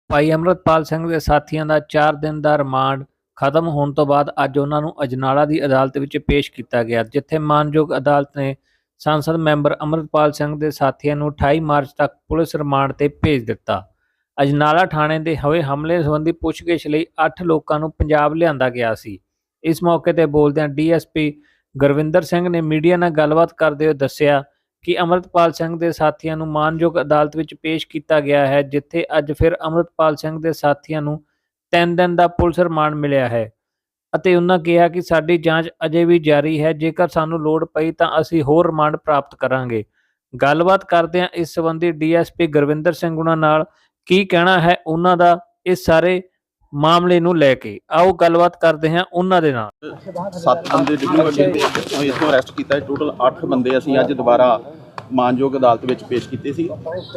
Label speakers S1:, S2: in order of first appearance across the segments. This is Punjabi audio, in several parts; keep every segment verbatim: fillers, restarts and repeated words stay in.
S1: ਭਾਈ ਅੰਮ੍ਰਿਤਪਾਲ ਸਿੰਘ ਦੇ ਸਾਥੀਆਂ ਦਾ ਚਾਰ ਦਿਨ ਦਾ ਰਿਮਾਂਡ ਖਤਮ ਹੋਣ ਤੋਂ ਬਾਅਦ ਅੱਜ ਉਹਨਾਂ ਨੂੰ ਅਜਨਾਲਾ ਦੀ ਅਦਾਲਤ ਵਿੱਚ ਪੇਸ਼ ਕੀਤਾ ਗਿਆ, ਜਿੱਥੇ ਮਾਣਯੋਗ ਅਦਾਲਤ ਨੇ ਸੰਸਦ ਮੈਂਬਰ ਅੰਮ੍ਰਿਤਪਾਲ ਸਿੰਘ ਦੇ ਸਾਥੀਆਂ ਨੂੰ ਅਠਾਈ ਮਾਰਚ ਤੱਕ ਪੁਲਿਸ ਰਿਮਾਂਡ ਤੇ ਭੇਜ ਦਿੱਤਾ। ਅਜਨਾਲਾ ਥਾਣੇ ਦੇ ਹੋਏ ਹਮਲੇ ਸੰਬੰਧੀ ਪੁੱਛਗਿੱਛ ਲਈ ਅੱਠ ਲੋਕਾਂ ਨੂੰ ਪੰਜਾਬ ਲਿਆਂਦਾ ਗਿਆ ਸੀ। ਇਸ ਮੌਕੇ ਤੇ ਬੋਲਦਿਆਂ D S P Gurvinder Singh ਨੇ ਮੀਡੀਆ ਨਾਲ ਗੱਲਬਾਤ ਕਰਦੇ ਹੋਏ ਦੱਸਿਆ ਕਿ ਅੰਮ੍ਰਿਤਪਾਲ ਸਿੰਘ ਦੇ ਸਾਥੀਆਂ ਨੂੰ ਮਾਣਯੋਗ ਅਦਾਲਤ ਵਿੱਚ ਪੇਸ਼ ਕੀਤਾ ਗਿਆ ਹੈ, ਜਿੱਥੇ ਅੱਜ ਫਿਰ ਅੰਮ੍ਰਿਤਪਾਲ ਸਿੰਘ ਦੇ ਸਾਥੀਆਂ ਨੂੰ ਤਿੰਨ ਦਿਨ ਦਾ ਪੁਲਿਸ ਰਿਮਾਂਡ ਮਿਲਿਆ ਹੈ ਅਤੇ ਉਹਨਾਂ ਕਿਹਾ ਕਿ ਸਾਡੀ ਜਾਂਚ ਅਜੇ ਵੀ ਜਾਰੀ ਹੈ। ਜੇਕਰ ਸਾਨੂੰ ਲੋੜ ਪਈ ਤਾਂ ਅਸੀਂ ਹੋਰ ਰਿਮਾਂਡ ਪ੍ਰਾਪਤ ਕਰਾਂਗੇ। ਗੱਲਬਾਤ ਕਰਦਿਆਂ ਇਸ ਸੰਬੰਧੀ D S P Gurvinder Singh ਉਹਨਾਂ ਨਾਲ ਕੀ ਕਹਿਣਾ ਹੈ ਉਹਨਾਂ ਦਾ ਇਸ ਸਾਰੇ ਮਾਮਲੇ ਨੂੰ ਲੈ ਕੇ, ਆਓ ਗੱਲਬਾਤ ਕਰਦੇ ਹਾਂ ਉਹਨਾਂ ਦੇ ਨਾਲ।
S2: ਸੱਤ ਬੰਦੇ ਡਿਪਟੀ ਇਥੋਂ ਅਰੈਸਟ ਕੀਤਾ, ਟੋਟਲ ਅੱਠ ਬੰਦੇ ਅਸੀਂ ਅੱਜ ਦੁਬਾਰਾ ਮਾਨਯੋਗ ਅਦਾਲਤ ਵਿੱਚ ਪੇਸ਼ ਕੀਤੇ ਸੀ।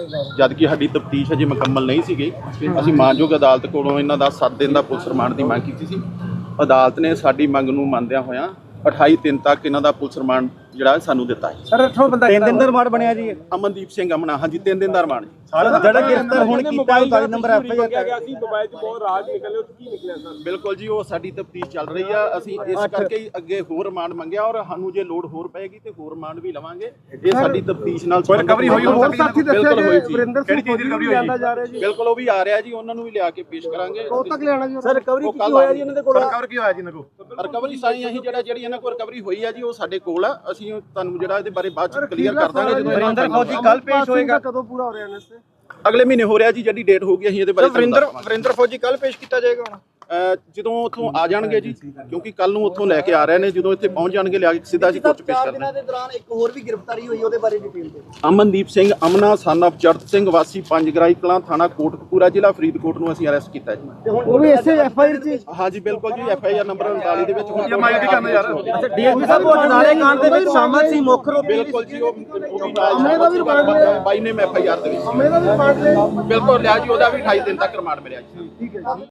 S2: ਜਦ ਕਿ ਸਾਡੀ ਤਫਤੀਸ਼ ਅਜੇ ਮੁਕੰਮਲ ਨਹੀਂ ਸੀਗੀ, ਅਸੀਂ ਮਾਨਯੋਗ ਅਦਾਲਤ ਕੋਲੋਂ ਇਹਨਾਂ ਦਾ ਸੱਤ ਦਿਨ ਦਾ ਪੁਲਿਸ ਰਿਮਾਂਡ ਦੀ ਮੰਗ ਕੀਤੀ ਸੀ। ਅਦਾਲਤ ਨੇ ਸਾਡੀ ਮੰਗ ਨੂੰ ਮੰਨਦਿਆਂ ਹੋਇਆਂ ਅਠਾਈ ਦਿਨ ਤੱਕ ਇਹਨਾਂ ਦਾ ਪੁਲਿਸ ਰਿਮਾਂਡ ਜਿਹੜਾ ਸਾਨੂੰ ਦਿੱਤਾ ਹੈ।
S3: ਸਰ ਅੱਠੋਂ ਬੰਦਾ ਤਿੰਨ ਦਿਨ ਦਾ ਰਿਮਾਂਡ ਬਣਿਆ ਜੀ।
S2: ਅਮਨਦੀਪ ਸਿੰਘ ਅਮਨਾ, ਹਾਂਜੀ ਤਿੰਨ ਦਿਨ ਦਾ ਰਿਮਾਂਡ ਜੀ।
S3: ਜਿਹੜਾ ਗ੍ਰਿਫਤਾਰ ਹੁਣ ਕੀਤਾ ਉਨਤਾਲੀ ਨੰਬਰ ਐਫ ਆਈ ਆਰ
S4: ਗਿਆ ਸੀ, ਮੋਬਾਈਲ 'ਚ ਬਹੁਤ ਰਾਜ ਨਿਕਲੇ, ਉਹ ਕੀ ਨਿਕਲਿਆ ਸਰ?
S2: ਬਿਲਕੁਲ ਜੀ, ਉਹ ਸਾਡੀ ਤਫਤੀਸ਼ ਚੱਲ ਰਹੀ ਆ। ਅਸੀਂ ਇਸ ਕਰਕੇ ਹੀ ਅੱਗੇ ਹੋਰ ਰਿਮਾਂਡ ਮੰਗਿਆ ਔਰ ਸਾਨੂੰ ਜੇ ਲੋੜ ਹੋਰ ਪਏਗੀ ਤੇ ਹੋਰ ਰਿਮਾਂਡ ਵੀ ਲਵਾਂਗੇ। ਇਹ ਸਾਡੀ ਤਫਤੀਸ਼ ਨਾਲ
S4: ਰਿਕਵਰੀ ਹੋਈ
S2: ਹੋਰ ਸਾਥੀ ਦੱਸਿਆ ਜੀ
S4: ਵਰਿੰਦਰ ਸਿੰਘ ਕਿਹੜੀ ਚੀਜ਼ ਦੀ ਰਿਕਵਰੀ ਹੋਈ
S2: ਜਾ ਰਿਹਾ ਜੀ? ਬਿਲਕੁਲ ਉਹ ਵੀ ਆ ਰਿਹਾ ਜੀ, ਉਹਨਾਂ ਨੂੰ ਵੀ ਲਿਆ ਕੇ ਪੇਸ਼ ਕਰਾਂਗੇ।
S3: ਕਦੋਂ ਤੱਕ ਲਿਆਣਾ ਜੀ? ਸਰ ਰਿਕਵਰੀ ਕੀ ਹੋਇਆ ਜੀ ਇਹਨਾਂ ਦੇ ਕੋਲ?
S4: ਰਿਕਵਰ ਕੀ ਹੋਇਆ ਜੀ ਇਹਨਾਂ ਕੋਲ?
S2: ਰਿਕਵਰੀ ਸਾਈ ਅਸੀਂ ਜਿਹੜਾ ਜਿਹੜੀ ਇਹਨਾਂ ਕੋਲ ਰਿਕਵਰੀ ਹੋਈ ਆ ਜੀ ਉਹ ਸਾਡੇ ਕੋਲ ਆ। ਅਸੀਂ ਤੁਹਾਨੂੰ ਜਿਹੜਾ ਇਹਦੇ ਬਾਰੇ ਬਾਅਦ ਚ ਕਲੀਅਰ ਕਰ ਦਾਂਗੇ ਜਦੋਂ
S3: ਵਰਿੰਦਰ ਫੌਜੀ ਕੱਲ ਪੇਸ਼ ਹੋਏਗਾ। ਕਦੋਂ ਪੂਰਾ ਹੋ ਰਿਹਾ ਇਹਨਾਂ ਤੇ?
S2: ਅਗਲੇ ਮਹੀਨੇ ਹੋ ਰਿਹਾ ਜੀ, ਜਿਹੜੀ ਡੇਟ ਹੋਊਗੀ ਅਸੀਂ ਇਹਦੇ ਬਾਰੇ
S3: ਵਰਿੰਦਰ ਵਰਿੰਦਰ ਫੌਜੀ ਕੱਲ ਪੇਸ਼ ਕੀਤਾ ਜਾਏਗਾ ਹੁਣ
S2: ਜਦੋਂ ਉੱਥੋਂ ਆ ਜਾਣਗੇ ਜੀ, ਕਿਉਂਕਿ ਕੱਲ ਨੂੰ ਉੱਥੋਂ ਲੈ ਕੇ ਆ ਰਹੇ ਨੇ। ਜਦੋਂ ਇੱਥੇ ਪਹੁੰਚ ਜਾਣਗੇ ਲਿਆ ਕੇ ਸਿੱਧਾ ਜੀ ਕੋਰਟ ਪੇਸ਼ ਕਰਨਾ।
S3: ਦੇ ਦੌਰਾਨ ਇੱਕ ਹੋਰ ਵੀ ਗ੍ਰਿਫਤਾਰੀ ਹੋਈ, ਉਹਦੇ ਬਾਰੇ ਡਿਟੇਲ ਦਿਓ।
S2: ਅਮਨਦੀਪ ਸਿੰਘ ਅਮਨਾ ਸਨ ਆਫ ਚੜਤ ਸਿੰਘ ਵਾਸੀ ਪੰਜ ਗਰਾਈ ਕਲਾਂ, ਥਾਣਾ ਕੋਟਕਪੂਰਾ, ਜ਼ਿਲ੍ਹਾ ਫਰੀਦਕੋਟ ਨੂੰ ਅਸੀਂ ਅਰੈਸਟ ਕੀਤਾ ਜੀ।
S3: ਉਹ ਵੀ ਇਸੇ ਐਫ ਆਈ ਆਰ ਚ?
S2: ਹਾਂਜੀ ਬਿਲਕੁਲ ਜੀ, ਐਫ ਆਈ ਆਰ ਨੰਬਰ ਉਨਤਾਲੀ ਦੇ ਵਿੱਚ।
S4: ਕੀ ਮਾਇਕੇ ਕਰਨਾ ਯਾਰ?
S3: ਅੱਛਾ ਡੀ ਐਸ ਪੀ ਸਾਹਿਬ ਉਹ ਅਜਨਾਲੇ ਕਾਂਡ ਦੇ ਵਿੱਚ ਸ਼ਾਮਲ ਸੀ ਮੁੱਖ ਰੂਪ?
S2: ਬਿਲਕੁਲ ਜੀ, ਉਹ ਬਾਈ ਨੇ ਐਫ ਆਈ ਆਰ ਦੇ ਵਿੱਚ ਬਿਲਕੁਲ ਲਿਆ ਜੀ। ਉਹਦਾ ਵੀ ਅਠਾਈ ਦਿਨ ਤੱਕ ਰਿਮਾਂਡ ਮਿਲਿਆ ਜੀ।